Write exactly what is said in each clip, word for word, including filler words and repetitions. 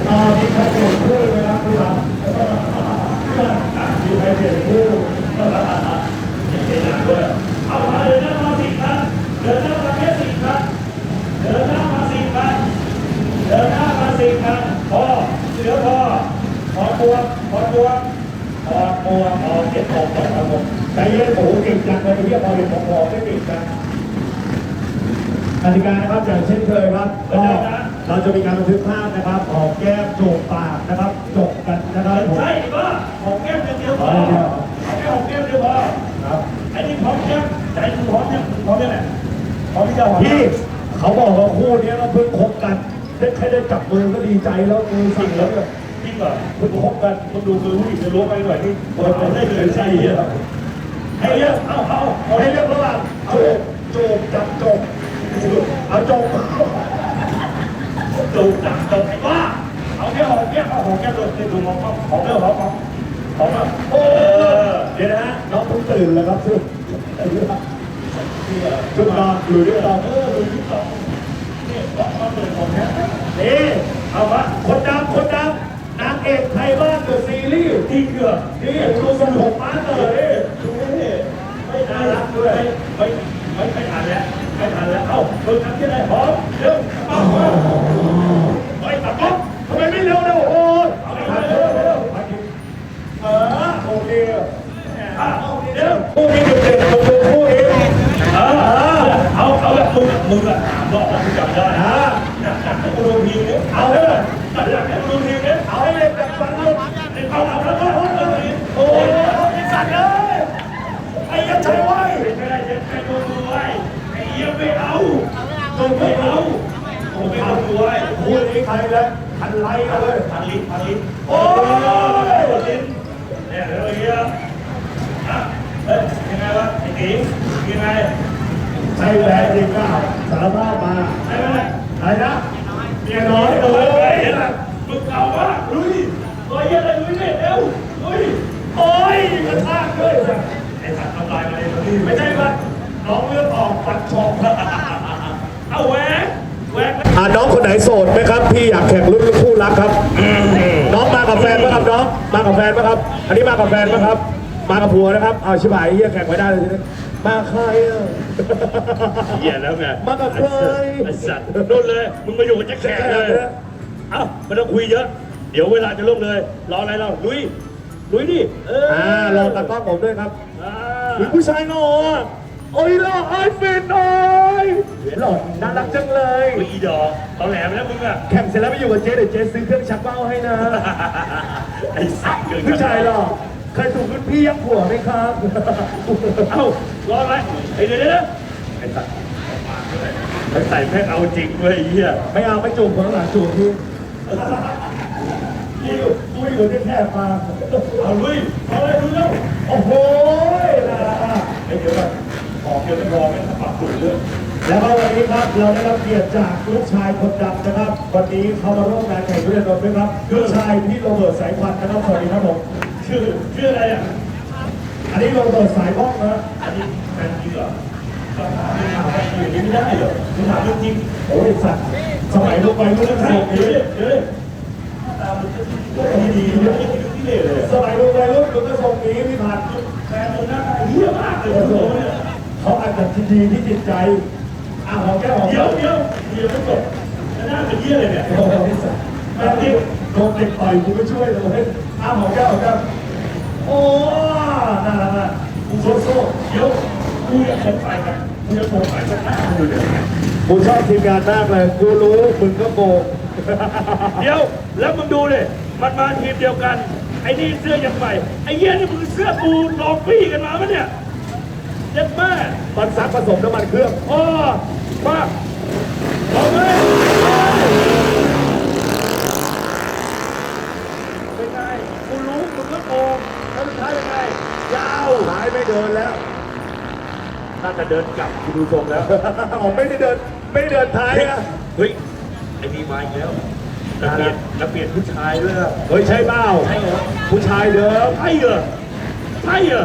ตอนนี้ใครเปลี่ยนคู่นะครับคุณครับมีใครเปลี่ยนคู่เปลี่ยนด้วยเอามาเดินหน้ามาสิครับเดินหน้ามาแค่สิครับเดินหน้ามาสิครับเดินหน้ามาสิครับพอเหลือพอพอตัวพอตัวพอตัวพอเก็บของก่อนครับผมใจเย็นโอ้โหเก่งจังเลยเรียกพอเก็บของพอไม่ติดกันกติกานะครับอย่างเช่นเคยครับก็เราจะมีการบันทึกภาพนะครับหอมแก้มจูบปากนะครับจบกันนะครับใช่ป่ะหอมแก้มเดียวพอแค่หอมแก้มเดียวพอครับไอ้นี่หอมแก้มใจคุณหอมเนี่ยหอมเนี่ยแหละหอมที่จะหอมพี่เขาบอกว่าคู่นี้เราเพิ่งคบกันได้แค่ได้จับมือก็ดีใจแล้วมือสั่นแล้วเนี่ยจริงเหรอเพิ่งคบกันคุณดูมือผู้หญิงจะรู้ไปหน่อยที่เปิดได้เลยใช่เหรอให้เลือกเอาเอาให้เลือกระหว่างจูบจูบจับจบเอาจบจูบจับจบไอ้บ้าเอาแค่หอมแก้มเอาหอมแก้มเลยดูมองเขาหอมเรื่องหอมหอมหอมแบบโอ้เดี๋ยวนะน้องเพิ่งตื่นแล้วครับซึ่งชุดนอนหรือชุดนอนเออหรือชุดนอนนี่ต้องมาเปิดของแท้นี่เอาวะคนดำคนดำนางเอกไทยบ้านเดอะซีรีส์ที่เกือบนี่ดูทรงผมมาเลยดูนี่ไม่น่ารักด้วยไม่ไม่ไม่ทันแล้วไม่ทันแล้วเอ้าเพิ่งทำที่ไหนหอมเร็วเอาเฮ้ยตัดก๊อกทำไมไม่เร็วเร็วโอ้ยเอาเร็วเร็วเออโอเคเดี๋ยวคู่นี้เด็กๆผมดูคู่นี้เออเอาเอาแบบมึงมึงอะบอกว่ามึงจำได้ฮะให้กูดูทีมนี้เอาเลยอยากให้กูดูทีมนี้เอาให้เล่นแบบฟังลูกเอาเอาแล้วก็โอ้ยไอ้สัตว์เลยไอ้ยันชัยไว้ไม่ได้ยันชัยโดนดูไว้ไอ้เยี่ยมไม่เอาโดนไม่เอาโอ้ไม่เอาดูไว้คู่นี้ใครเลยพันไล่กันเลยพันลิ้นพันลิ้นโอ้ยลิ้นเนี่ยเรื่องเงี้ยเฮ้ยยังไงวะไอ้ติ๋งยังไงใช่แหละจริงเปล่าสารภาพมาใช่ไหมอะไรนะเมียน้อยเลยเห็นไหมมึงเก่ามากลุยลุยอะไรลุยเนี่ยเร็วลุยโอ้ยกระชากด้วยไอ้สัตว์ทำลายมาเลยนี่ไม่ใช่ปะน้องเลือดออกปัดชองเอาแหวกแหวกอ่าน้องคนไหนโสดไหมครับพี่อยากแข่งรุ่นคู่รักครับน้องมากับแฟนไหมครับน้องมากับแฟนไหมครับอันนี้มากับแฟนไหมครับมากับผัวนะครับเอาชิบหายเฮียแข่งไม่ได้เลยทีนี้มาใครอ่ะเฮียแล้วไงมากับใครไอ้สัตว์นู่นเลยมึงมาอยู่กับแจ็คแขกเลยเอ้าไม่ต้องคุยเยอะเดี๋ยวเวลาจะลงเลยรออะไรเราลุยลุยดิเอออ่ารอตากล้องผมด้วยครับอ่าผู้ชายหน่อยโอ้ยหล่อไอ้เฟนหน่อยหล่อน่ารักจังเลยอีดอกตอนแหลมแล้วมึงอะแข่งเสร็จแล้วไปอยู่กับเจ๊เดี๋ยวเจ๊ซื้อเครื่องชักเบ้าให้นะไอ้สัตว์ผู้ชายหล่อเคยถูกรุ่นพี่ยักผัวไหมครับเอ้ารออะไรไอ้เดี๋ยวเดี๋ยวไอ้สัตว์ไอ้ใส่แม่เอาจริงเว้ยไอ้เหี้ยไม่เอาไม่จูบคนหลังจูบพี่พี่กูอยู่ที่แคบมาเอาลุยเอาเลยดูแล้วโอ้โหนะไอ้เดี๋ยวก่อนขอเกี่ยวกับรอไม่ต้องปรับตัวเรื่องแล้วก็วันนี้ครับเราได้รับเกียรติจากลูกชายคนดังนะครับวันนี้เขามาร่วมงานแข่งทุเรียนรถด้วยครับลูกชายพี่โรเบิร์ตสายควันนะครับสวัสดีครับผมชื่อชื่ออะไรอ่ะอันนี้โรเบิร์ตสายบ้องนะอันนี้แฟนจริงเหรออย่างนี้ไม่ได้เหรอคุณถามจริงโอ้ยสัตว์สมัยลูกไปลูกใช่เดี๋ยวเดี๋ยวตามมันดีๆเดี๋ยวไม่ได้ที่เล่เลยสมัยลูกไปลูกมันก็ทรงนี้พี่พันแฟนมันหน้าตาเหี้ยมากเลยเขาอาจจะดีที่จิตใจอ้าวแก้วเดี๋ยวเดี๋ยวเดี๋ยวไม่จบหน้าเป็นเหี้ยเลยเนี่ยโอ้ยสัตว์แม่ที่โดนเด็กต่อยกูไม่ช่วยเลยอ้าวแก้วแก้วโอ้น่ารักอ่ะกูโซ่โซ่เดี๋ยวกูอยากไปกันกูจะโผล่ไปสักหน้าดูเดี๋ยวกูชอบทีมงานมากเลยกูรู้มึงก็โกงเดี๋ยวแล้วมึงดูเลยมันมาทีมเดียวกันไอ้นี่เสื้อยังใหม่ไอ้เหี้ยนี่มึงเสื้อกูลองปี้กันมาปะเนี่ยเจ็บแม่มันซักผสมน้ำมันเครื่องอ๋อมาเอาไหมเป็นไงกูรู้มึงก็โกงแล้วสุดท้ายยังไงยาวท้ายไม่เดินแล้วน่าจะเดินกลับกูดูทรงแล้วอ๋อไม่ได้เดินไม่ได้เดินท้ายนะเฮ้ยไอ้นี่มาอีกแล้วจะเปลี่ยนจะเปลี่ยนผู้ชายด้วยเฮ้ยใช่เปล่าใช่เหรอผู้ชายเดิมใช่เหรอใช่เหรอ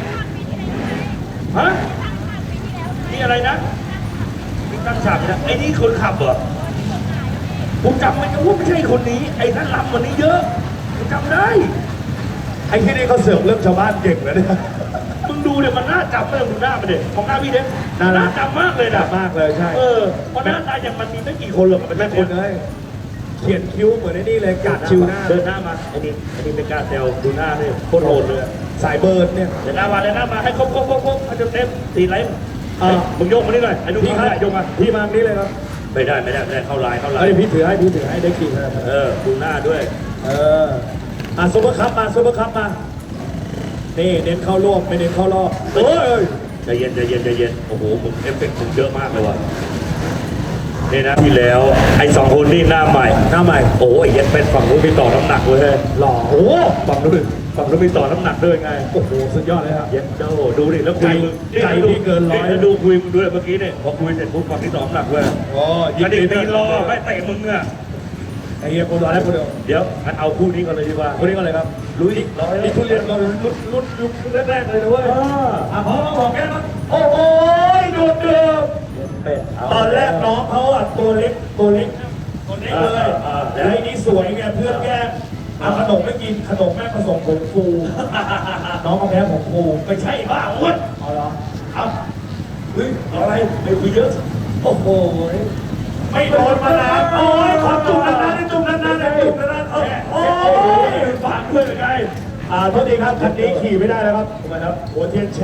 ฮะนี่อะไรนะมีตั้งฉากนะไอ้นี่คนขับเหรอกูจำไม่ได้ว่าไม่ใช่คนนี้ไอ้นั่นลำวันนี้เยอะกูจำได้ไอ้ที่นี่เขาเสือกเรื่องชาวบ้านเก่งเลยเนี่ยมึงดูเนี่ยมันน่าจำไม่ต้องดูหน้ามันเด็กของหน้าพี่เด็กน่ารักน่าจำมากเลยนะมากเลยใช่เออเพราะหน้าตาอย่างมันมีไม่กี่คนหรอกมันแม่ไม่คคน นเลยเขียนคิ้วเหมือนไอ้นี่เลยกัดชิวหน้าเดินหน้ามาไอ้นี่ไอ้นี่เป็นการเซลดูหน้าเลยโคตรโหดเลยสายเบิร์ดเนี่ยเดินหน้ามาเดินหน้ามาให้ครบครบครบครบให้เต็มตีไลน์เฮ้ยมึงโยกมานี่หน่อยไอ้นุ่มพี่เขาครับได้โยกมาพี่มานี่เลยครับไม่ได้ไม่ได้ไม่ได้เข้าไลน์เข้าไลเอ้ยน์พี่ถือให้พี่ถือให้ได้กี่คะแนนเออดูหน้าด้วยเอออ่ะซุปเปอร์คัพมาซุปเปอร์คัพมานี่เน้นเข้ารอบไม่เน้นเข้ารอบโอ้ยใจเย็นใจเย็นใจเย็นโอ้โหมึงเอฟเฟกต์มึงเยอะมากเลยว่ะนี่นะที่แล้วไอ้สองคนนี่หน้าใหม่หน้าใหม่โอ้ยเย็นเป็นฝั่งนู้นมีต่อน้ำหนักเว้ยหล่อโอ้ฝั่งนู้นฝั่งนู้นมีต่อน้ำหนักด้วยไงโอ้โหสุดยอดเลยครับเย็นเจ้าดูดิแล้วคุยมึงใจพี่เกินร้อยแล้วดูคุยมึงด้วยเมื่อกี้เนี่ยพอคุยเสร็จปุ๊บฝั่งที่ต่อน้ำหนักเว้ยโอ้กระดิ่งตีรอไม่เตะมึงอ่ะไอ้เหี้ยคนร้ายคนเดียวเดี๋ยวงั้นเอาคู่นี้ก่อนเลยดีกว่าคนนี้ก็เลยครับลุยร้อยนี่ทุเรียนเราลุ้นลุ้นยุคแรกๆเลยนะเว้ยอ่ะพร้อมบอกแกมั้งโอ้โหดูดเดือดเป็ดเอาตอนแรกน้องเขาอ่ะตัวเล็กตัวเล็กตัวเล็กเลยอ่าอ่าแล้วไอ้นี่สวยไงเพื่อนแกล้งเอาขนมไม่กินขนมแม่ผสมผงฟู น้องเขาแพ้ผงฟูไม่ใช่บ้าอ้วนเอาเหรอเอาเฮ้ยอะไรไม่คุยเยอะโอ้โหไม่โดนมานานโอ้ยขอจุ่มนานๆจุ่มนานๆจุ่มนานๆโอ้ยโอ้ยฝากเพื่อนไงอ่าโทษทีครับคันนี้ขี่ไม่ได้แล้วครับทำไมครับหัวเทียนแช่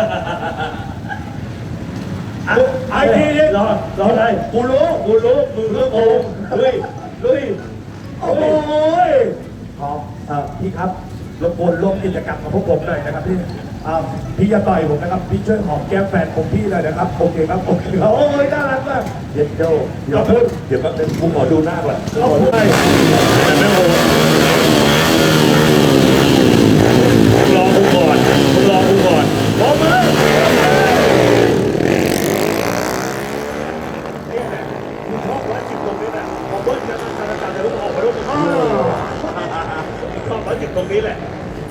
อ่ะไอ้ทีนี้รอรออะไรกูรู้กูรู้มึงรู้โกงลุยลุยโอ้ยพอเอ่อพี่ครับรบกวนร่วมกิจกรรมกับพวกผมหน่อยนะครับพี่อ่าพี่อย่าต่อยผมนะครับพี่ช่วยหอมแก้มแฟนผมพี่เลยนะครับโอเคครับโอเคครับโอ้ยน่ารักมากเย็นโจ้เดี๋ยวพูดเดี๋ยวแป๊บนึงกูขอดูหน้าก่อนโอ้ยรอกูก่อนมึงรอกูก่อนพร้อมไหมมึงชอบร้อยจิตตรงนี้แหละพอเบิ้ลจะจะจะจะลุกออกมาลุกชอบร้อยจิตตรงนี้แหละ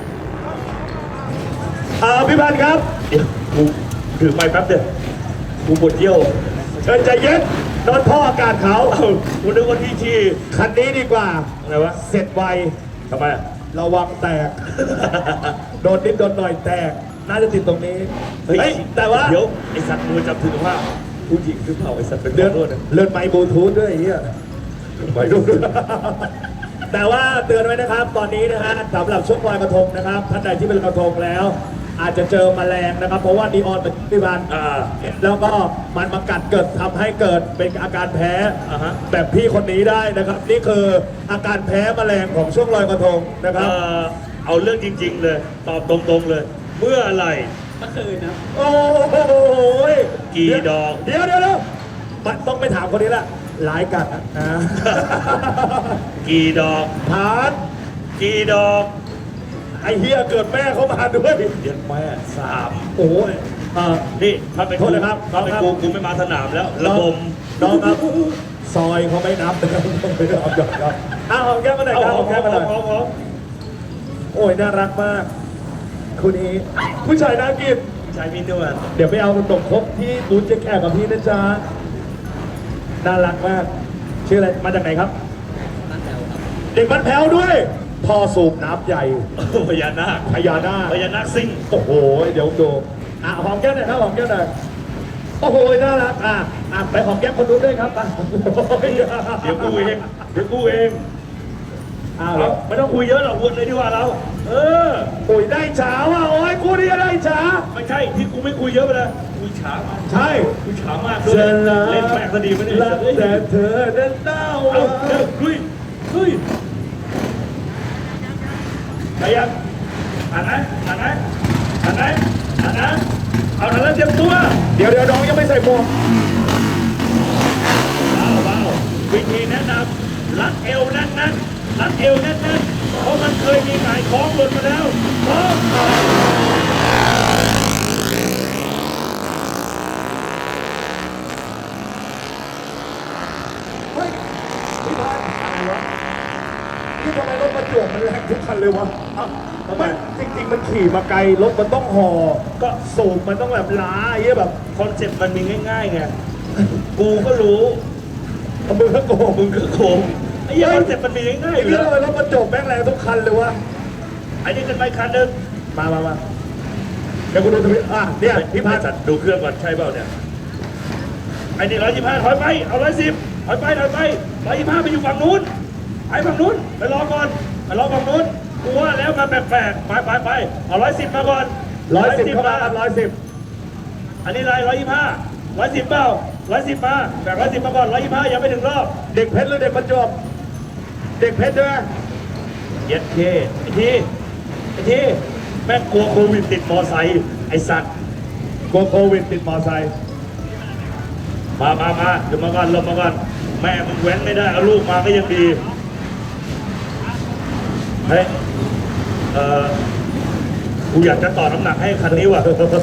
อ่าพี่พันธ์ครับเดี๋ยวกูถือไม้แป๊บเดียวกูปวดเยี่ยวเชิญใจเย็นโดนท่ออากาศเขาเอ้ากูนึกว่าที่ที่คันนี้ดีกว่าอะไรวะเสร็จไวทำไมอะระวังแตก โดนนิดโดนหน่อยแตก น่าจะติดตรงนี้เฮ้ยเฮ้ยแต่ว่าเดี๋ยวไอสัตว์มือจับถือว่าผู้หญิงหรือเปล่าไอสัตว์เป็นเลื่อนขอโทษนะเลื่อนไมค์บลูทูธด้วยไอ้เฮียไปดูด้วยแต่ว่าเตือนไว้นะครับ ตอนนี้นะฮะสำหรับช่วงลอยกระทงนะครับท่านใดที่เป็นลอยกระทงแล้ว อาจจะเจอแมลงนะครับ เพราะว่านีออนเป็นพิบันอ่าแล้วก็มันมากัดเกิดทำให้เกิดเป็นอาการแพ้อ่าฮะแบบพี่คนนี้ได้นะครับ นี่คืออาการแพ้แมลงของช่วงลอยกระทงนะคเอ่รับอเอาเรื่องจริง ๆ เลย ตอบตรงๆเลย เมื่อไหร่โอ้โหกี่ดอกเดี๋ยวเดี๋ยวเดี๋ยวมันต้องไปถามคนนี้ละหลายกัดนะอ่ากี่ดอกฐานกี่ดอกไอเฮียเกิดแม่เขามาด้วยเดี๋ยวแม่สามโอ้ยอ่านี่ถ้าเป็นโทษนะครับถ้าเป็นครับกูกูไม่มาสนามแล้ว ระบมน้องครับ ซอยเขาไม่นับนะครับไม่ได้เอาหยอกครับอ้าวหอมแก้มมาหน่อยเอาครับหอมแก้มมาหน่อยเอาเอาโอ้ยน่ารักมากคุณนี้ผู้ชายน่ากินชายมีนวลเดี๋ยวไปเอาขนมครกที่บูธเจ๊แขกกับพี่นะจ๊ะน่ารักมาก ชื่ออะไรมาจากไหนครับเด็กบ้านแพ้วด้วยท่อสูบน้ำใหญ่พญานาคพญานาคพญานาคซิ่งโอ้โห เดี๋ยวดูอ่ะหอมแก้มหน่อยครับหอมแก้มหน่อยโอ้โหน่ารักอ่ะอ่ะไปหอมแก้มคนนู้นด้วยครับอ่ะเดี๋ยวกูเองเดี๋ยวกูเองอ้าวเอาไม่ต้องคุยเยอะหรอกวนเลยดีกว่าเรา เออโอ้ยได้ฉาว่ะโอ้ยกูนี่ได้ฉาไม่ใช่ที่กูไม่คุยเยอะไปเลยคุยช้ามากใช่คุยช้ามากด้วยเชิญละเล่นแม่งซะดีไม่ได้รักแต่เธอนั้นเต้าเอาเร็วลุยลุยไปยังอ่านนะอ่านนะอ่านนะอ่านนะเอาหน่อยแล้วเตรียมตัวเดี๋ยวเดี๋ยวน้องยังไม่ใส่หมวกเบาเบาวิธีแนะนำรัดเอวแน่นนั่นรัดเอวแน่นนั่นเพราะมันเคยมีหงายคล้องหล่นมาแล้วพร้อมเฮ้ยพี่พานอะไรวะนี่ทำไมรถประจวบมันแรงทุกคันเลยวะอ้าวทำไมจริงๆมันขี่มาไกลรถมันต้องห่อก็สูบมันต้องแบบล้าไอ้เหี้ยแบบคอนเซ็ปต์มันมีง่ายๆไง กูก็รู้มึงก็โกงมึงก็โกงไอ้เหี้ยคอนเซ็ปต์มันมีง่ายๆไอ้อยู่เหี้ยแล้วแล้วมันจบแม่งแรงทุกคันเลยวะไอ้นี่ขึ้นไปคันหนึ่งมามามาเดี๋ยวกูดูทวิตอ่ะเนี่ยพี่พันธ์จัดดูเครื่องก่อนใช่เปล่าเนี่ยไอ้นี่ร้อยยี่ห้าถอยไปเอาร้อยสิบถอยไปถอยไปร้อยยี่ห้าไปอยู่ฝั่งนู้นไปฝั่งนู้นไปรอก่อนไปรอฝั่งนู้นกูว่าแล้วมาแปลกๆไปไปไปเอาร้อยสิบมาก่อนร้อยสิบเข้ามาครับร้อยสิบอันนี้ไรร้อยยี่ห้าร้อยสิบเปล่าร้อยสิบมาแบ่งร้อยสิบมาก่อนร้อยยี่ห้ายังไม่ถึงรอบเด็กเพชรหรือเด็กประจวบเด็กเพชรด้วยเย็ดเคไอ้ทีไอ้ทีแม่งกลัวโควิดติดมอไซค์ไอ้สัตว์กลัวโควิดติดมอไซค์มามามาเดี๋ยวมาก่อนลงมาก่อนแม่มึงแว้นไม่ได้เอาลูกมาก็ยังดีเฮ้ยเออกูอยากจะต่อน้ำหนักให้คันนี้ว่ะ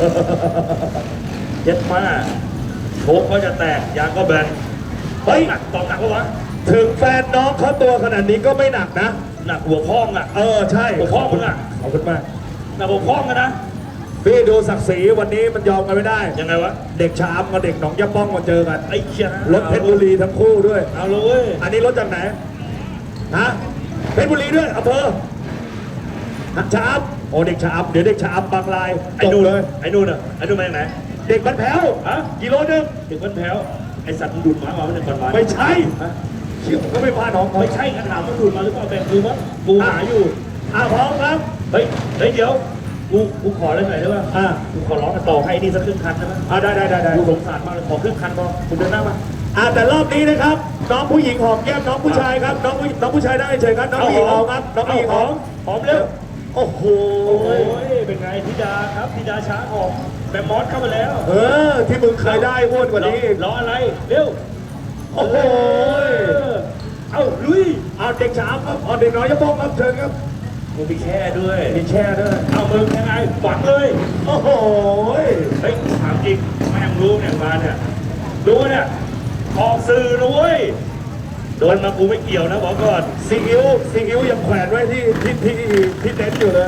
เย็ดมาโชคก็จะแตกยางก็แบนเฮ้ยหนักต่อหนักปะวะถึงแฟนน้องเขาตัวขนาดนี้ก็ไม่หนักนะหนักหัวพ้องอ่ะเออใช่หัวข้อมึงอะขอบคุณมากหนักหัวพ้องกันนะพี่ดูศักดิ์ศรีวันนี้มันยอมกันไม่ได้ยังไงวะเด็กชามกับเด็กหนองยะป้องมาเจอกันไอ้เชี่ยรถเพชรบุรีทั้งคู่ด้วยเอาเลยเว้ยอันนี้รถจากไหนฮะเพชรบุรีด้วยอำเภอชามโอ้เด็กชามเดี๋ยวเด็กชามบางลายไอ้จบนู่นเลยไอ้นู่นอ่ะไอ้นู่นมาจากไหนเด็กบ้านแพ้วฮะกิโลนึงถึงคนแถวไอ้สัตว์มันดูดหมามาไม่ใช่คนมาไม่ใช่ฮะเชี่ยผมก็ไม่พาน้องเขาไม่ใช่กระถามมันดูดมาหรือเปล่าแบ่งกูมั้งกูหาอยู่อ่ะพร้อมครับเฮ้ยเฮ้ยเดี๋ยวกูกูขอได้ไหมได้ป่ะอ่ะกูขอร้องกันต่อให้นี่สักครึ่งคันได้ไหมอ่ะได้ได้ได้ได้กูสงสารมากเลยขอครึ่งคันพอคุณเดินหน้ามาอ่ะแต่รอบนี้นะครับ น้องผู้หญิงหอมแก้มน้องผู้ชายครับ น้องผู้น้องผู้ชายได้เฉยครับ น้องผู้หญิงหอมครับ น้องผู้หญิงหอมหอมเร็วโอ้โหโอ้ยเป็นไงธิดาครับธิดาช้าออกแบมมอสเข้ามาแล้วเออ ที่มึงเคยได้อ้วนกว่านี้อีกรออะไรเร็วโอ้โหเอาลุยเอาเด็กสามครับเอาเด็กน้อยยะป้องครับเชิญครับมึงมีแช่ด้วยมีแช่ด้วยเอามึงยังไงฝังเลยโอ้โหเฮ้ยถามจริงแม่งรู้เนี่ยมาเนี่ยรู้เนี่ยออกสื่อนะเว้ยโดนมากูไม่เกี่ยวนะบอกก่อนซีอิ๊วซีอิ๊วยังแขวนไว้ที่ที่ที่ที่เต็นท์อยู่เลย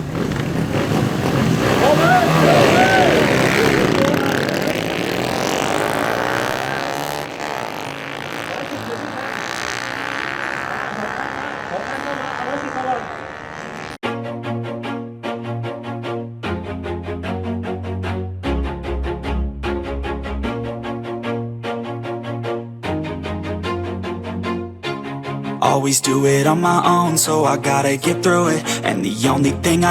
โอเคโอเคขอท่านเข้ามาเอาไว้สิครับ Always do it on my own, so I gotta get through it. And the only thing I